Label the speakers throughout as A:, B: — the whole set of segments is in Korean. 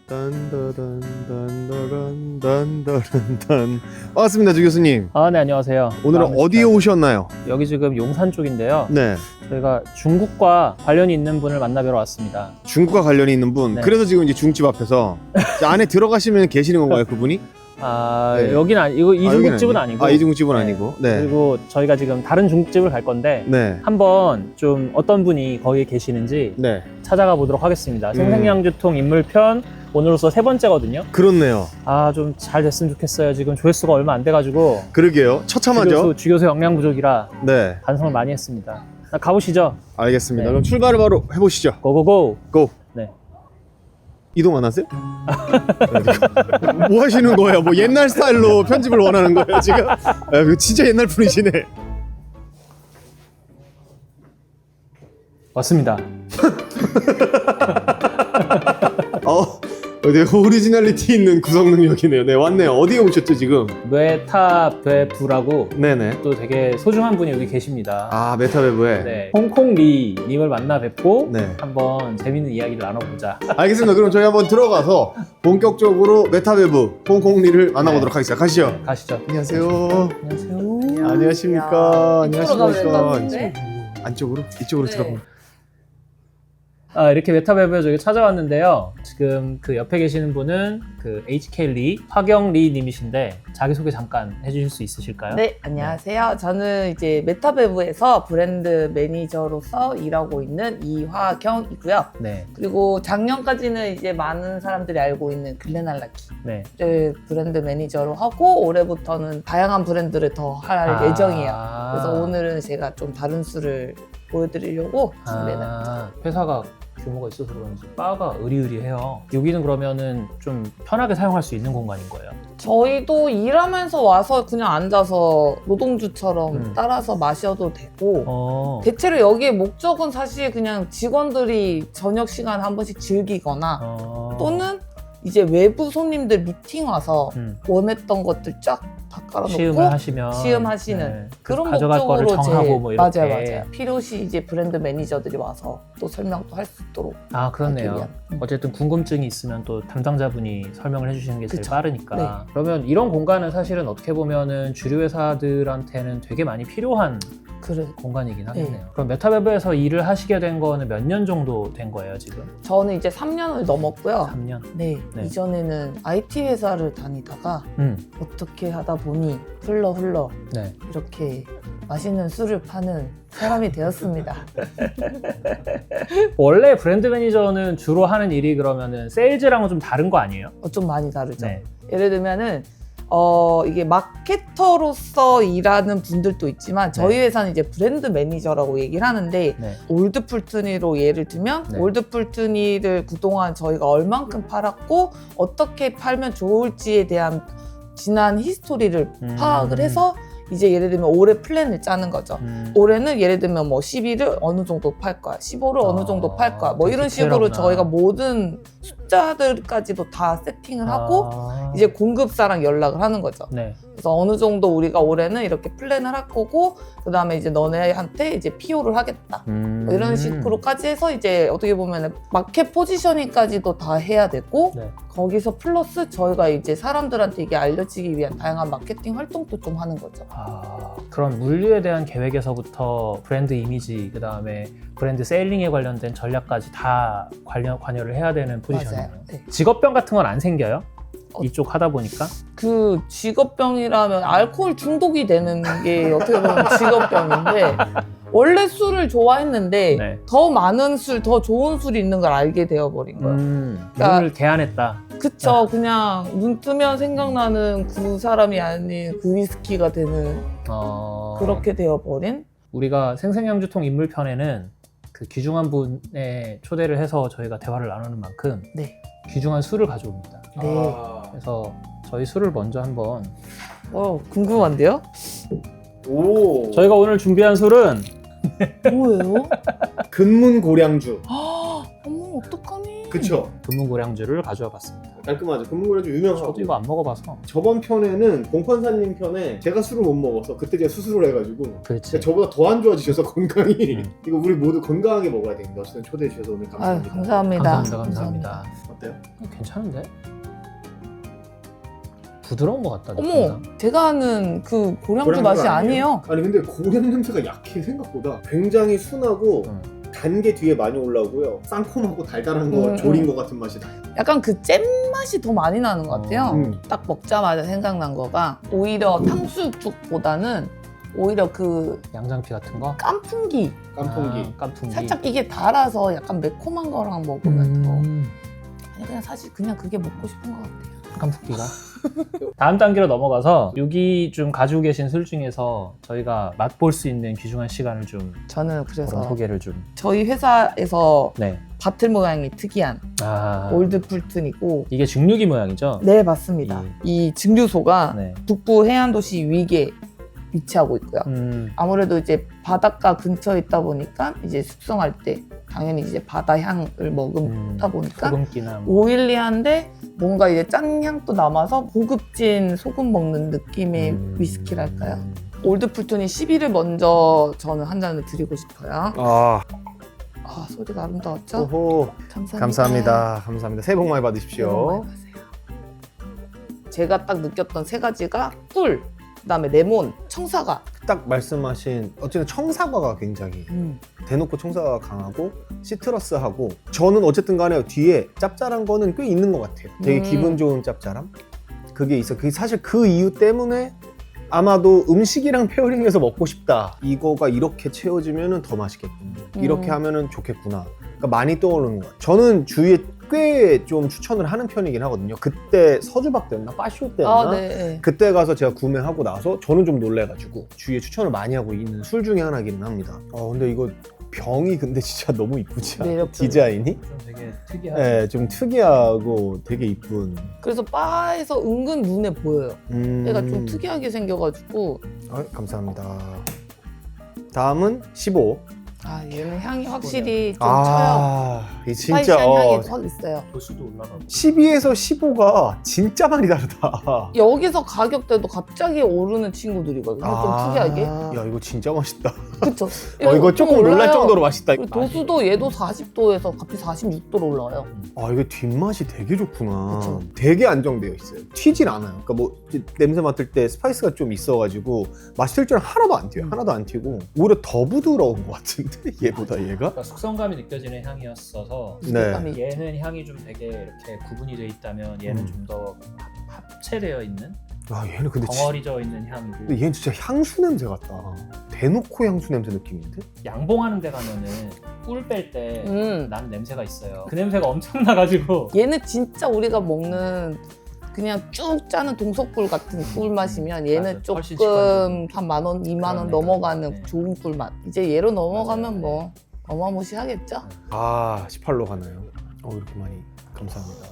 A: 딴따란딴따란딴따란딴. 반갑습니다, 주 교수님.
B: 네, 안녕하세요.
A: 오늘은 어디에 오셨나요?
B: 여기 지금 용산 쪽인데요.
A: 네,
B: 저희가 중국과 관련이 있는 분을 만나뵈러 왔습니다.
A: 중국과 관련이 있는 분.
B: 네.
A: 그래서 지금 이제 중국집 앞에서 이제 안에 들어가시면 계시는 건가요, 그분이? 네.
B: 여기는 이거 이
A: 여기는
B: 중국집은 아니고.
A: 이 중국집은
B: 네.
A: 아니고. 네.
B: 그리고 저희가 지금 다른 중국집을 갈 건데
A: 네.
B: 한번 좀 어떤 분이 거기에 계시는지
A: 네.
B: 찾아가 보도록 하겠습니다. 생생양주통 인물편 오늘로서 3번째거든요.
A: 그렇네요.
B: 좀 잘 됐으면 좋겠어요. 지금 조회수가 얼마 안 돼가지고
A: 그러게요. 처참하죠?
B: 주교수 역량 부족이라
A: 네.
B: 반성을 많이 했습니다. 가보시죠.
A: 알겠습니다.
B: 네.
A: 그럼 출발을 바로 해보시죠.
B: 고고고.
A: 고!
B: 네.
A: 이동 안 하세요? 뭐 하시는 거예요? 뭐 옛날 스타일로 편집을 원하는 거예요, 지금? 이거 진짜 옛날 분이시네.
B: 왔습니다.
A: 네, 오리지널리티 있는 구성 능력이네요. 네, 왔네요. 어디에 오셨죠, 지금?
B: 메타베부라고
A: 네네.
B: 또 되게 소중한 분이 여기 계십니다.
A: 메타베브에.
B: 네, 홍콩리 님을 만나 뵙고
A: 네.
B: 한번 재밌는 이야기를 나눠보자.
A: 알겠습니다. 그럼 저희 한번 들어가서 본격적으로 메타베브 홍콩리를 만나보도록 하겠습니다. 가시죠.
B: 가시죠.
A: 안녕하세요.
B: 안녕하세요.
A: 안녕하십니까.
C: 이쪽으로 가면 될것 같은데?
A: 안쪽으로? 이쪽으로
C: 네.
A: 들어가면.
B: 이렇게 메타베브에 저기 찾아왔는데요. 지금 그 옆에 계시는 분은 그 HK리, 화경리 님이신데 자기소개 잠깐 해주실 수 있으실까요?
C: 네, 안녕하세요. 저는 이제 메타베브에서 브랜드 매니저로서 일하고 있는 이화경이고요.
B: 네.
C: 그리고 작년까지는 이제 많은 사람들이 알고 있는 글렌알라키를
B: 네.
C: 브랜드 매니저로 하고 올해부터는 다양한 브랜드를 더 할 예정이에요. 그래서 오늘은 제가 좀 다른 수를 보여드리려고 준비해놨습니다.
B: 회사가 규모가 있어서 그런지 바가 으리으리해요. 여기는 그러면은 좀 편하게 사용할 수 있는 공간인 거예요?
C: 저희도 일하면서 와서 그냥 앉아서 노동주처럼 따라서 마셔도 되고 대체로 여기의 목적은 사실 그냥 직원들이 저녁 시간 한 번씩 즐기거나 또는 이제 외부 손님들 미팅 와서 원했던 것들 쫙 다 깔아놓고
B: 시음을 하시면
C: 시음하시는 그런
B: 가져갈 거를
C: 목적으로
B: 정하고 뭐 이렇게.
C: 맞아요. 필요시 이제 브랜드 매니저들이 와서 또 설명도 할 수 있도록
B: 그렇네요.
C: 하기 위한.
B: 어쨌든 궁금증이 있으면 또 담당자분이 설명을 해주시는 게 제일
C: 그쵸.
B: 빠르니까.
C: 네.
B: 그러면 이런 공간은 사실은 어떻게 보면은 주류 회사들한테는 되게 많이 필요한
C: 그래.
B: 공간이긴 하겠네요.
C: 네.
B: 그럼 메타베브에서 일을 하시게 된 거는 몇 년 정도 된 거예요, 지금?
C: 저는 이제 3년을 넘었고요.
B: 3년?
C: 네,
B: 네.
C: 이전에는 IT 회사를 다니다가 어떻게 하다 보니 흘러
B: 네.
C: 이렇게 맛있는 술을 파는 사람이 되었습니다.
B: 원래 브랜드 매니저는 주로 하는 일이 그러면은 세일즈랑은 좀 다른 거 아니에요?
C: 좀 많이 다르죠.
B: 네.
C: 예를 들면은 이게 마케터로서 일하는 분들도 있지만 저희
B: 네.
C: 회사는 이제 브랜드 매니저라고 얘기를 하는데
B: 네.
C: 올드풀트니로 예를 들면
B: 네.
C: 올드풀트니를 그동안 저희가 얼만큼 팔았고 어떻게 팔면 좋을지에 대한 지난 히스토리를 파악을 해서 이제 예를 들면 올해 플랜을 짜는 거죠. 올해는 예를 들면 뭐 12를 어느 정도 팔 거야, 15를 어느 정도 팔 거야, 뭐 이런 식으로 저희가 모든 숫자들까지도 다 세팅을 하고 이제 공급사랑 연락을 하는 거죠.
B: 네.
C: 그래서 어느 정도 우리가 올해는 이렇게 플랜을 할 거고 그 다음에 이제 너네한테 이제 PO를 하겠다. 뭐 이런 식으로까지 해서 이제 어떻게 보면 마켓 포지셔닝까지도 다 해야 되고
B: 네.
C: 거기서 플러스 저희가 이제 사람들한테 이게 알려지기 위한 다양한 마케팅 활동도 좀 하는 거죠.
B: 그런 물류에 대한 계획에서부터 브랜드 이미지, 그 다음에 브랜드 세일링에 관련된 전략까지 다 관여를 해야 되는 포지션이에요.
C: 맞아요. 네.
B: 직업병 같은 건 안 생겨요? 이쪽 하다 보니까?
C: 그 직업병이라면 알코올 중독이 되는 게 어떻게 보면 직업병인데 원래 술을 좋아했는데
B: 네.
C: 더 많은 술, 더 좋은 술이 있는 걸 알게 되어버린 거예요.
B: 눈을 개안했다.
C: 그쵸. 그냥 눈 뜨면 생각나는 그 사람이 아닌 그 위스키가 되는 그렇게 되어버린?
B: 우리가 생생양주통 인물편에는 그 귀중한 분에 초대를 해서 저희가 대화를 나누는 만큼
C: 네.
B: 귀중한 술을 가져옵니다.
C: 네.
B: 그래서 저희 술을 먼저 한번
C: 궁금한데요?
A: 오.
B: 저희가 오늘 준비한 술은
C: 뭐예요?
A: 근문고량주.
C: 어머, 어떡하니?
A: 그쵸?
B: 금문고량주를 가져와 봤습니다.
A: 깔끔하죠. 근문고량주 유명하고.
B: 저도 이거 안 먹어봐서.
A: 저번 편에는 공판사님 편에 제가 술을 못 먹어서 그때 제가 수술을 해가지고
B: 그렇지.
A: 저보다 더 안 좋아지셔서 건강이 이거 우리 모두 건강하게 먹어야 됩니다. 어쨌든 초대해 주셔서 오늘 감사합니다.
C: 감사합니다.
B: 감사합니다.
A: 어때요?
B: 괜찮은데? 부드러운 것 같다.
C: 어머,
B: 느낌상.
C: 제가 아는 그 고량주
A: 고량주가
C: 맛이 아니에요.
A: 아니 근데 고량 냄새가 약해 생각보다. 굉장히 순하고 단 게 뒤에 많이 올라오고요. 쌍콤하고 달달한 거 졸인 거 같은 맛이 나요.
C: 약간 그 잼 맛이 더 많이 나는 것 같아요.
A: 음.
C: 딱 먹자마자 생각난 거가 오히려 탕수육죽보다는 오히려 그
B: 양장피 같은 거?
C: 깐풍기.
A: 깐풍기.
B: 아, 깐풍기.
C: 살짝 이게 달아서 약간 매콤한 거랑 먹으면 더.
B: 음.
C: 아니 그냥 사실 그냥 그게 먹고 싶은 것 같아요.
B: 깐풍기가. 다음 단계로 넘어가서 여기 좀 가지고 계신 술 중에서 저희가 맛볼 수 있는 귀중한 시간을 좀
C: 저는
B: 그런
C: 그래서
B: 소개를 좀.
C: 저희 회사에서
B: 네.
C: 바틀 모양이 특이한
B: 아.
C: 올드 풀튼이고
B: 이게 증류기 모양이죠?
C: 네 맞습니다. 이 증류소가
B: 네.
C: 북부 해안도시 위기에 위치하고 있고요. 아무래도 이제 바닷가 근처에 있다 보니까 이제 숙성할 때 당연히 이제 바다 향을 먹다 보니까
B: 소금기나 뭐.
C: 오일리한데 뭔가 이제 짠 향도 남아서 고급진 소금 먹는 느낌의 위스키랄까요? 올드 풀톤이 10위를 먼저 저는 한 잔을 드리고 싶어요.
A: 아,
C: 아 소리가 아름다웠죠?
A: 오호.
C: 감사합니다.
A: 감사합니다. 감사합니다. 새해 복 많이
C: 새해 복
A: 받으십시오.
C: 많이 받으세요. 제가 딱 느꼈던 세 가지가 꿀, 그다음에 레몬, 청사과.
A: 딱 말씀하신 어쨌든 청사과가 굉장히 대놓고 청사과가 강하고 시트러스하고 저는 어쨌든 간에 뒤에 짭짤한 거는 꽤 있는 것 같아요. 되게 기분 좋은 짭짤함 그게 있어. 그게 사실 그 이유 때문에 아마도 음식이랑 페어링해서 먹고 싶다. 이거가 이렇게 채워지면 더 맛있겠구나. 이렇게 하면 좋겠구나. 그러니까 많이 떠오르는 것 같아요. 저는 주위에 꽤 좀 추천을 하는 편이긴 하거든요. 그때 서주박 때였나? 빠쇼 때였나?
C: 아, 네.
A: 그때 가서 제가 구매하고 나서 저는 좀 놀래가지고 주위에 추천을 많이 하고 있는 술 중에 하나기는 합니다. 근데 이거 병이 근데 진짜 너무 이쁘지 않아요?
C: 매력적이에요.
A: 디자인이?
B: 좀 되게 특이하죠.
A: 네, 좀 특이하고 되게 이쁜.
C: 그래서 바에서 은근 눈에 보여요. 얘가 좀 특이하게 생겨가지고
A: 감사합니다. 다음은 15.
C: 아 얘는 향이 확실히 좀 쳐요.
A: 이 진짜
C: 스파이시한 향이 확 있어요.
B: 도수도 올라가고.
A: 12에서 15가 진짜 많이 다르다.
C: 여기서 가격대도 갑자기 오르는 친구들이거든요. 좀 특이하게.
A: 야 이거 진짜 맛있다.
C: 그쵸?
A: 이거 조금
C: 좀
A: 놀랄
C: 올라요.
A: 정도로 맛있다.
C: 그리고 도수도 얘도 40도에서 갑자기 46도로 올라와요.
A: 이게 뒷맛이 되게 좋구나.
C: 그쵸.
A: 되게 안정되어 있어요. 튀질 않아요. 그러니까 뭐 이제 냄새 맡을 때 스파이스가 좀 있어가지고 맛있을 줄 하나도 안 튀어요. 하나도 안 튀고 오히려 더 부드러운 것 같은데 얘보다 얘가?
B: 그러니까 숙성감이 느껴지는 향이었어서
A: 네.
B: 얘는 향이 좀 되게 이렇게 구분이 돼 있다면 얘는 좀 더 합체되어 있는
A: 얘는 근데
B: 덩어리져 있는 향이고
A: 근데 얘는 진짜 향수 냄새 같다. 대놓고 향수 냄새 느낌인데?
B: 양봉하는 데 가면은 꿀 뺄 때 나는 냄새가 있어요. 그 냄새가 엄청 나가지고
C: 얘는 진짜 우리가 먹는 그냥 쭉 짜는 동석꿀 같은 꿀 맛이면 얘는
B: 맞아. 훨씬
C: 조금 한 10,000원, 20,000원
B: 그러네.
C: 넘어가는
B: 네.
C: 좋은 꿀 맛. 이제 얘로 넘어가면
B: 맞아요.
C: 뭐 어마무시하겠죠?
A: 18로 가나요? 이렇게 많이. 감사합니다.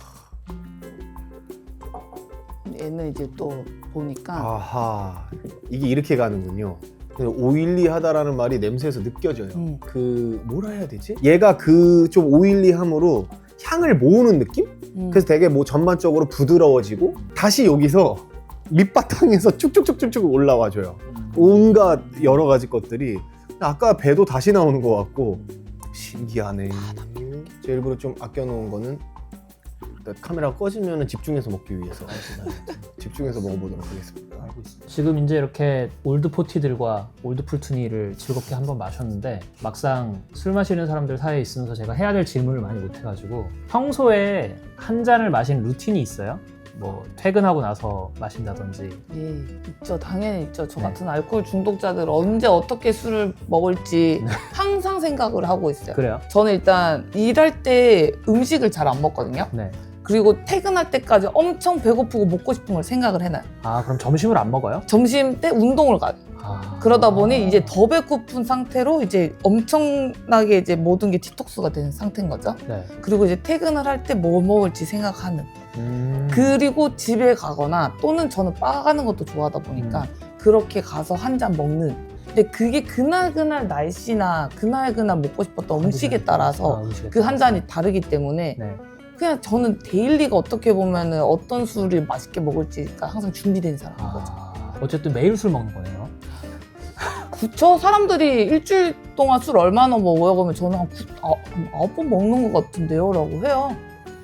C: 얘는 이제 또 보니까
A: 아하, 이게 이렇게 가는군요. 오일리하다라는 말이 냄새에서 느껴져요. 그 뭐라 해야 되지? 얘가 그 좀 오일리함으로 향을 모으는 느낌? 그래서 되게 뭐 전반적으로 부드러워지고 다시 여기서 밑바탕에서 쭉쭉쭉쭉쭉 올라와줘요. 온갖 여러 가지 것들이 아까 배도 다시 나오는 것 같고 신기하네. 제가 일부러 좀 아껴놓은 거는 카메라가 꺼지면 집중해서 먹기 위해서 집중해서 먹어보도록 하겠습니다.
B: 알고 있습니다. 지금 이제 이렇게 올드 포티들과 올드 풀투니를 즐겁게 한번 마셨는데 막상 술 마시는 사람들 사이에 있으면서 제가 해야 될 질문을 많이 못 해가지고 평소에 한 잔을 마시는 루틴이 있어요? 뭐 퇴근하고 나서 마신다든지.
C: 예, 있죠. 당연히 있죠. 저
B: 네.
C: 같은 알코올 중독자들 언제 어떻게 술을 먹을지 항상 생각을 하고 있어요.
B: 그래요?
C: 저는 일단 일할 때 음식을 잘 안 먹거든요.
B: 네.
C: 그리고 퇴근할 때까지 엄청 배고프고 먹고 싶은 걸 생각을 해놔요.
B: 그럼 점심을 안 먹어요?
C: 점심 때 운동을 가요. 그러다 보니 이제 더 배고픈 상태로 이제 엄청나게 이제 모든 게 디톡스가 된 상태인 거죠.
B: 네.
C: 그리고 이제 퇴근을 할 때 뭐 먹을지 생각하는. 그리고 집에 가거나 또는 저는 바 가는 것도 좋아하다 보니까 그렇게 가서 한 잔 먹는. 근데 그게 그날 날씨나 그날 먹고 싶었던 음식에 따라서 그 한 잔이 다르기 때문에
B: 네.
C: 그냥 저는 데일리가 어떻게 보면은 어떤 술을 맛있게 먹을지가 항상 준비된 사람인 거죠.
B: 어쨌든 매일 술 먹는 거네요.
C: 그쵸? 사람들이 일주일 동안 술 얼마나 먹어요? 그러면 저는 한 9번 먹는 것 같은데요? 라고 해요.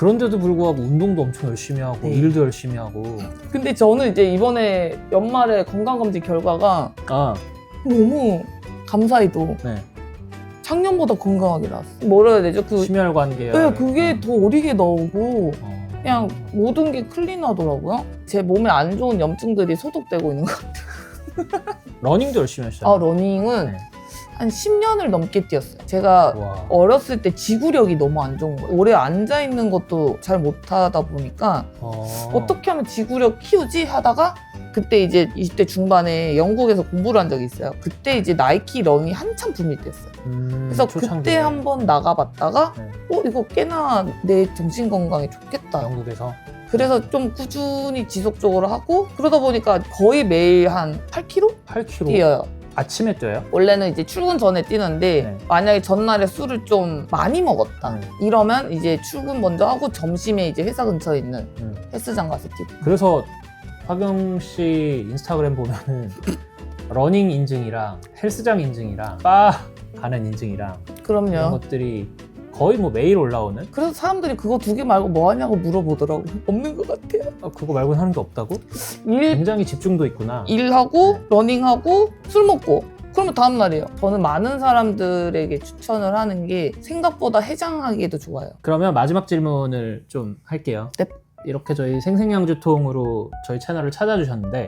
B: 그런데도 불구하고 운동도 엄청 열심히 하고
C: 네.
B: 일도 열심히 하고.
C: 근데 저는 이제 이번에 연말에 건강검진 결과가
B: 아,
C: 너무 감사히도
B: 네.
C: 작년보다 건강하게 나왔어. 뭐라 해야 되죠?
B: 심혈관 계열.
C: 네, 그게 더 어리게 나오고 그냥
B: 어.
C: 모든 게 클린하더라고요. 제 몸에 안 좋은 염증들이 소독되고 있는 것 같아요.
B: 러닝도 열심히 하시잖아요.
C: 아, 러닝은
B: 네.
C: 한 10년을 넘게 뛰었어요. 제가
B: 와.
C: 어렸을 때 지구력이 너무 안 좋은 거예요. 오래 앉아 있는 것도 잘 못하다 보니까 어떻게 하면 지구력 키우지 하다가 그때 이제 20대 중반에 영국에서 공부를 한 적이 있어요. 그때 이제 나이키 런이 한참 붐이 됐어요. 그래서
B: 초창기에.
C: 그때 한번 나가봤다가
B: 네.
C: 이거 꽤나 내 정신 건강에 좋겠다.
B: 영국에서
C: 그래서 좀 꾸준히 지속적으로 하고 그러다 보니까 거의 매일 한 8km
B: 8km
C: 뛰어요.
B: 아침에 뛰어요?
C: 원래는 이제 출근 전에 뛰는데
B: 네.
C: 만약에 전날에 술을 좀 많이 먹었다
B: 네.
C: 이러면 이제 출근 먼저 하고 점심에 이제 회사 근처에 있는
B: 음.
C: 헬스장 가서 뛰고.
B: 그래서 화경 씨 인스타그램 보면은 러닝 인증이랑 헬스장 인증이랑 바 가는 인증이랑 이런
C: 그럼요.
B: 것들이 거의 뭐 매일 올라오는?
C: 그래서 사람들이 그거 두 개 말고 뭐 하냐고 물어보더라고. 없는 것 같아요.
B: 그거 말고는 하는 게 없다고?
C: 일,
B: 굉장히 집중도 있구나.
C: 일하고
B: 네.
C: 러닝하고 술 먹고 그러면 다음 날이에요. 저는 많은 사람들에게 추천을 하는 게 생각보다 해장하기에도 좋아요.
B: 그러면 마지막 질문을 좀 할게요.
C: 네.
B: 이렇게 저희 생생양주통으로 저희 채널을 찾아주셨는데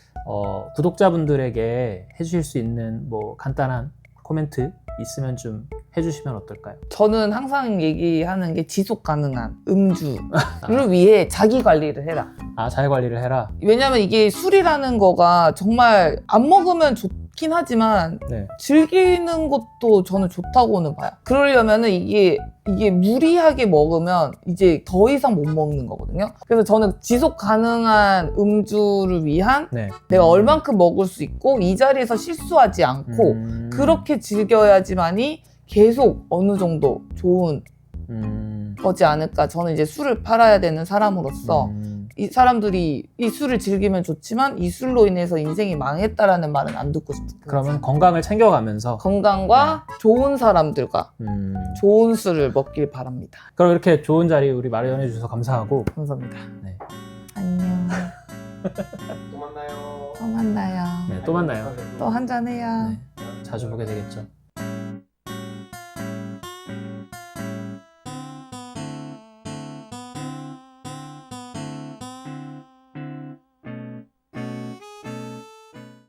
B: 구독자분들에게 해주실 수 있는 뭐 간단한 코멘트 있으면 좀 해주시면 어떨까요?
C: 저는 항상 얘기하는 게 지속 가능한 음주를 위해 자기 관리를 해라.
B: 아, 잘 관리를 해라.
C: 왜냐면 이게 술이라는 거가 정말 안 먹으면 좋긴 하지만
B: 네.
C: 즐기는 것도 저는 좋다고는 봐요. 그러려면은 이게 무리하게 먹으면 이제 더 이상 못 먹는 거거든요. 그래서 저는 지속 가능한 음주를 위한
B: 네.
C: 내가 얼만큼 먹을 수 있고 이 자리에서 실수하지 않고 그렇게 즐겨야지만이 계속 어느 정도 좋은 거지 않을까. 저는 이제 술을 팔아야 되는 사람으로서 이 사람들이 이 술을 즐기면 좋지만 이 술로 인해서 인생이 망했다라는 말은 안 듣고 싶어요.
B: 그러면 건강을 챙겨가면서
C: 건강과 좋은 사람들과 좋은 술을 먹길 바랍니다.
B: 그럼 이렇게 좋은 자리 우리 마련해 주셔서 감사하고
C: 감사합니다.
B: 네.
C: 안녕.
A: 또 만나요.
C: 또 만나요.
B: 네, 또 만나요.
C: 또 한잔해요.
B: 네, 자주 보게 되겠죠.